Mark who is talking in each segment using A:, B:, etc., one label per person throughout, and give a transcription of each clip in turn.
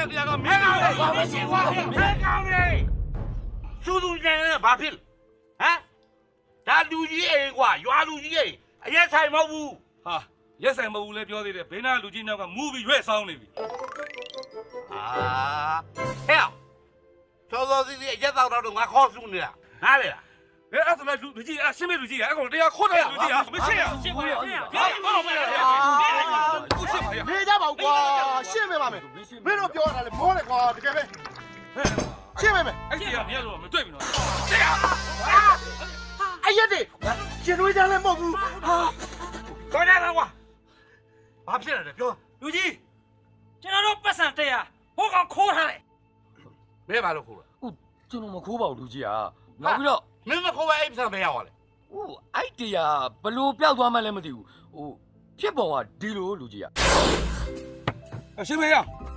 A: တရားကမင်းကောင်းလေဘာမရှိဘူးမင်းကောင်းလေစူးစူးနေတယ်ဘာဖြစ်ဟမ်ဒါလူကြီးအိမ်ကွာရွာလူကြီးအိမ်အရက်ဆိုင်မဟုတ်ဘူးဟာရက်ဆိုင်မဟုတ်ဘူးလဲပြောသေးတယ်ဘေးနာလူကြီးနောက်ကမူပြီးရွက်ဆောင်းနေပြီအာဟဲ့စောစောစီးစီးအရက်တော့တော့ငါခေါ်စုနေတာနားလေလားအဲ့ဒါလူကြီးအရှင်းမဲ့လူကြီးအဲ့ကောင်တရားခေါ်တယ်လူကြီးမရှိရရှင်းပါရဘာလို့မလဲကိုရှင်းပါရ
B: နေကြပါဦးကွာရှင်းပေးပါမယ်မင်းတို့ပြောတာလေမောတယ်ကွာတကယ်ပဲရှင်းပေးမယ်
A: အဲ့ဒီကမြတ်လို့မတွေ့ဘူးနော်တရား
B: အရက်တွေရှင်တွေးကြလည်းမဟုတ်ဘူးဟာ
A: ခေါ်ရတာကွာဘာဖြစ်လဲပြောလူကြီးကျွန်တော်တို့ပတ်စံတရားဟိုကောင်ခိုးထားတယ်ဘယ်ပါလို့ခိုးလဲ
C: ဟုတ်ကျွန်တော်မခိုးပါဘူးလူကြီးကနောက်ပြီးတော့
A: မင်းမခိုးပဲအိမ်ပတ်စံမရပါလေ
C: ဟိုအဲ့တရားဘလို့ပျောက်သွားမှလည်းမသိဘူးဟိုဖြစ်ပေါ်ကဒီလိုလူကြီးက
A: ရှင်းမရ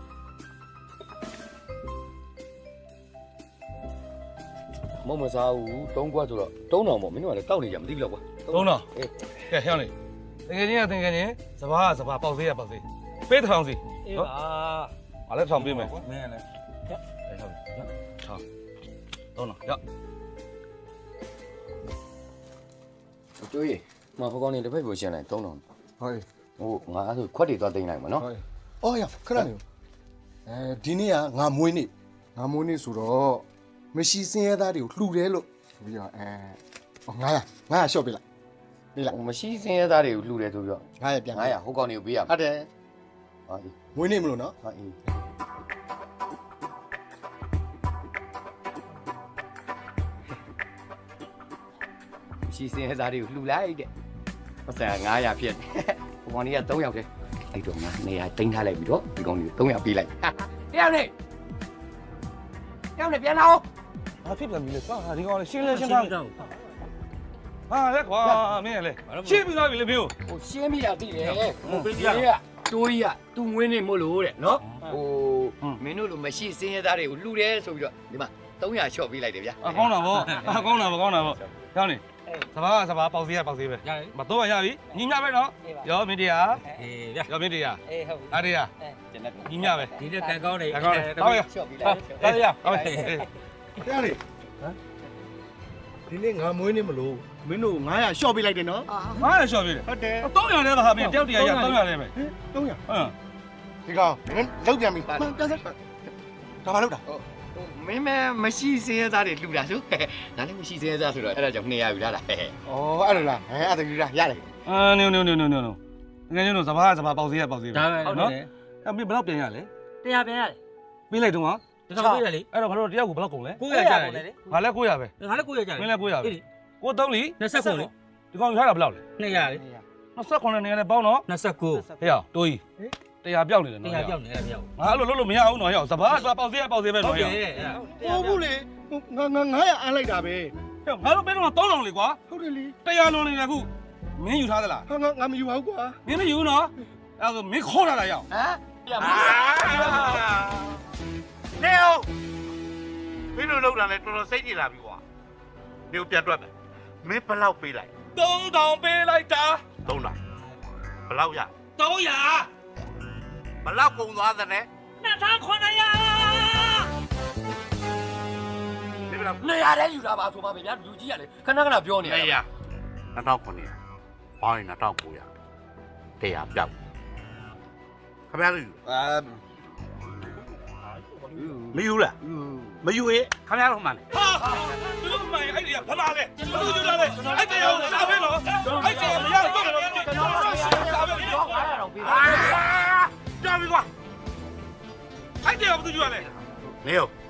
C: မမစားဘူးတုံးကွက်ဆိုတော့တုံးတော်ပေါ့မင်းတို့ကလည်းတောက်နေကြမသိဘူးလောက်ကွာ
A: တုံးတော်ကဲဟဲ့နေတကယ်ချင်းကတကယ်ချင်းစဘာကစဘာပေါက်သေးရပေါက်သေးပေးထောင်စီ
D: အေးပါ
A: ငါလည်းထောင်ပေးမယ်
D: မင်းလည်း
A: ဟုတ်ထောင်တုံးတော်ရ
C: ကျိုးရေမဟိုကောင်နေတစ်ဖက်ကိုရှင်းလိုက်တုံးတော်
B: ဟုတ်
C: ဟိုငါအဲ့ဆိုခွက်တွေသွားသိမ်းလိုက်မှာနော်
B: ဟုတ်အော်ရခဏနေဒီနေ့ကငါမွေးနေ့ဆိုတော့မရှိစင်းရဲသားတွေကိုလှူတယ်လို့ပြီးတော့900ရှော့ပေးလိုက်
C: မရှိစင်းရဲသားတွေကိုလှူတယ်ဆိုပြီးတော့
B: 900ပြန်
C: 900ဟိုကောင်တွေကိုပေးရ
B: ဟုတ်တယ်
C: ဟာအေး
B: မွေးနေ့မလို့နော်
C: ဟာအေးရှိစင်းရဲသားတွေကိုလှူလိုက်တဲ့ပတ်စံ900ဖြစ်ဟိုကောင်တွေက3ယောက်တည်းအဲ့တော့ငါ200တင်းထားလိုက်ပြီးတော့ဒီကောင်တွေ300ပေးလိုက်တယောက်နဲ့ပြန်လာအောင်
A: ဘာဖြစ်ပြန်ပြီလဲကွာဒီကောင်လေးရှင်းလဲရှင်းထားဟာလက်ကွာမင်းလည်းရှင်းပြီးသွားပြီလေမင်း
C: ဟိုရှင်းမိတာသိတယ်ဟိုပေးပြတိုးကြီးကသူ့ဝင်းနေမို့လို့တဲ့နော်ဟိုမင်းတို့လိုမရှိစင်းရဲသားတွေကိုလှူတယ်ဆိုပြီးတော့ဒီမှာ300ချော့ပေးလိုက်တယ်ဗျာ
A: ကောင်းတာဗောကောင်းတာကောင်းတာဗောကျောင်းနေစဘာပေါက်သေးရပေါက်သေးပဲမတော့ရပြီညီညပဲနော်ရောမင်းတရား
D: အေးဗျာ
A: ရောမင်းတရား
D: အေးဟုတ်
A: အားတရား
C: ကျွန်တော်
A: ညီညပဲ
D: ဒီနေ့ကန်ကောင်းနေ
A: ကောင်းတယ်တော့ရ
C: ချော့ပေးလိုက်
A: တော်ရဟုတ်
B: တယ်ဒီနေ့ငါမွေးနေ့မလို့မင်းတို့900ရှော့ပေးလိုက်တယ်နော်
A: 900ရှော့ပေးတယ်
B: ဟုတ်တယ်
A: 300လဲပါဟာမင်းတယောက်တရာရ300လဲပဲ
B: 300
A: ဟမ်
B: ဒီကောင်မင်းလောက်ပြန်ပြီပြန်ဆက်ဒါမှလောက်တာ
C: မင်းမရှိစင်းရဲသားတွေလှူတာဆိုဒါလည်းမရှိစင်းရဲသားဆိုတော့အဲ့ဒါကြောင့်200ယူလာတာဩ
B: အဲ့လိုလားအဲ့ဒါကြီးလားရတယ်
A: နင်းတကယ်ချင်းတို့စဘာပေါက်သေးရပေါက်သေးပဲ
D: ဒါပဲနော်
A: အဲ့မင်းဘယ်တော့ပြန်ရလဲ
D: တရားပြန်ရတယ်
A: ပေးလိုက်တော့ဟာ
D: တထောင်ပေးတယ်လေ
A: အဲ့တော့ငါတို့တယောက်ကိုဘယ်လောက်ကုန်လဲ
D: 900ကျတယ်လေ
A: ငါလည်း900ပဲ
D: ငါလည်း900ကျတယ်
A: မင်းလည်း900ပဲကို3လီ
D: 29လေ
A: ဒီကောင်ထားတာဘယ်လောက်လဲ
D: 200လေ
A: 29နဲ့ပေါင်းတော့
D: 29
A: ဟဲ့တိုးကြီးတရားပြောက်နေတယ်နော်
D: တရားပြောက်နေတယ်ပြောက်
A: ငါအဲ့လိုလုပ်လို့မရဘူးနော်ဟဲ့စဘာပေါက်သေးပဲနော်ဟဲ့
B: ဟုတ်ဘူးလေငါ900အမ်းလိုက်တာပဲ
A: ဟဲ့ငါတို့ပေးတော့3000လေကွာ
B: ဟုတ်တယ်လေ
A: တရားလွန်နေတယ်ခုမင်းယူထားသလား
B: ငါမယူပါဘူးကွာ
A: မင်းမယူနော်အဲ့ဒါမင်းခေါ်လာတာရောက်
C: ဟမ်ပြန်မ
A: နေအောင်မင်းတို့လောက်တာလဲတော်တော်စိတ်ကြည်လာပြီကွာနေကိုပြန်တွက်မယ်မင်းဘယ်လောက်ပေးလိုက်3000ပေးလိုက်တာ3000ဘယ်လောက်ရ300ဘယ်လောက်ကုန်သွားသလဲ2900ဒီဘယ်လောက်
C: နေရတဲ့ယူတာပါဆိုပါပဲဗျာလူကြီးကလေခဏပြောနေ
A: တယ်2900ပေါင်းရင်2900တရားပြောက်ခင်ဗျားတို့မယူလားမယူရင်ခင်ဗျားတို့မှန်တယ်ဟာသူတို့မှန်ရင်အဲ့ဒီကဖလာလေဘယ်လိုယူလာလဲအဲ့တရားကိုစားပေးလို့အဲ့တရားမရတော့တော့စားပေးလို့
C: 900တော့ပေးပါ
A: ကြောက်ပြီကွာအဲ့တရားဘာသူယူရလဲနေရော